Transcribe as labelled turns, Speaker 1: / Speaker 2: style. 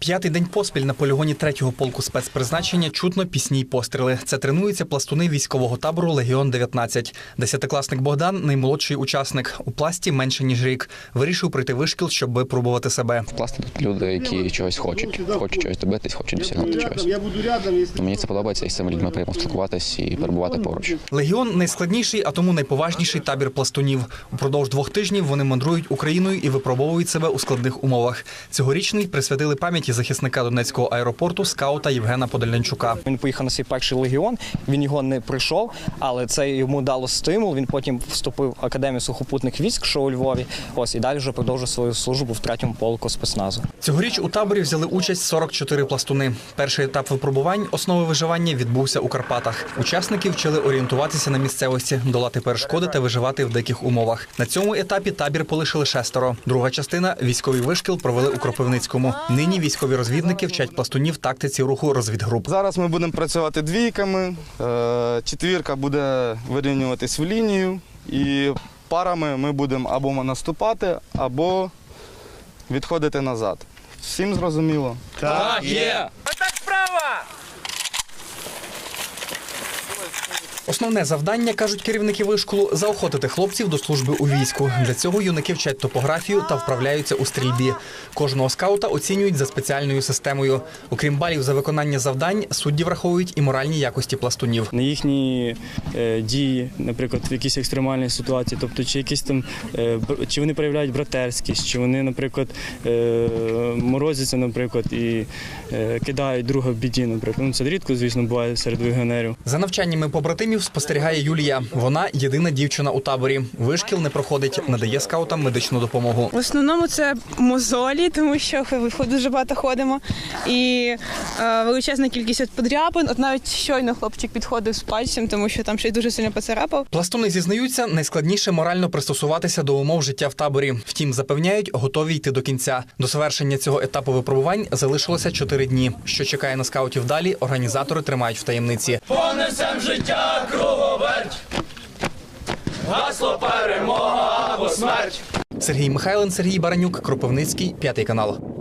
Speaker 1: П'ятий день поспіль на полігоні 3-го полку спецпризначення чутно пісні й постріли. Це тренуються пластуни військового табору «Легіон-19». Десятикласник Богдан – наймолодший учасник. У пласті менше, ніж рік. Вирішив пройти вишкіл, щоб випробувати себе.
Speaker 2: В пласті тут люди, які чогось хочуть. Хочуть чогось добитись, хочуть досягнути чогось. Мені це подобається, і з цими людьми приємно спілкуватись і перебувати поруч.
Speaker 1: «Легіон» – найскладніший, а тому найповажніший табір пластунів. Упродовж 2 тижнів вони мандрують Україною і випробовують себе у складних умовах. Цьогорічний присвятили пам'яті захисника Донецького аеропорту скаута Євгена Подолянчука.
Speaker 3: Він поїхав на свій перший легіон, він його не пройшов, але це йому дало стимул. Він потім вступив в Академію сухопутних військ, що у Львові. І далі вже продовжив свою службу в 3-му полку спецназу.
Speaker 1: Цьогоріч у таборі взяли участь 44 пластуни. Перший етап випробувань «Основи виживання» відбувся у Карпатах. Учасники вчили орієнтуватися на місцевості, долати перешкоди та виживати в диких умовах. На цьому етапі табір полишили 6. Друга частина – військовий вишкіл провели у Кропивницькому. Нині військові розвідники вчать пластунів тактиці руху розвідгруп.
Speaker 4: Зараз ми будемо працювати двійками, 4 буде вирівнюватись в лінію і парами ми будемо або наступати, або відходити назад. Всім зрозуміло?
Speaker 5: Так, є!
Speaker 6: Отак справа!
Speaker 1: Основне завдання, кажуть керівники вишколу – заохотити хлопців до служби у війську. Для цього юнаки вчать топографію та вправляються у стрільбі. Кожного скаута оцінюють за спеціальною системою. Окрім балів за виконання завдань, судді враховують і моральні якості пластунів.
Speaker 5: На їхні дії, наприклад, в якійсь екстремальній ситуації, тобто чи вони проявляють братерськість, чи вони, наприклад, морозяться, наприклад, і кидають друга в біді, наприклад. Це рідко, звісно, буває серед легіонерів.
Speaker 1: За навчаннями побратимів спостерігає Юлія. Вона єдина дівчина у таборі. Вишкіл не проходить, надає скаутам медичну допомогу.
Speaker 7: В основному це мозолі, тому що дуже багато ходимо. І величезна кількість подряпин. От навіть щойно хлопчик підходив з пальцем, тому що там ще й дуже сильно поцарапав.
Speaker 1: Пластуни зізнаються, найскладніше морально пристосуватися до умов життя в таборі. Втім, запевняють, готові йти до кінця. До завершення цього етапу випробувань залишилося 4 дні. Що чекає на скаутів далі, організатори тримають в таємниці.
Speaker 6: Понесем життя круговерть, гасло перемога або смерть.
Speaker 1: Сергій Михайлин, Сергій Баранюк, Кропивницький, 5 канал.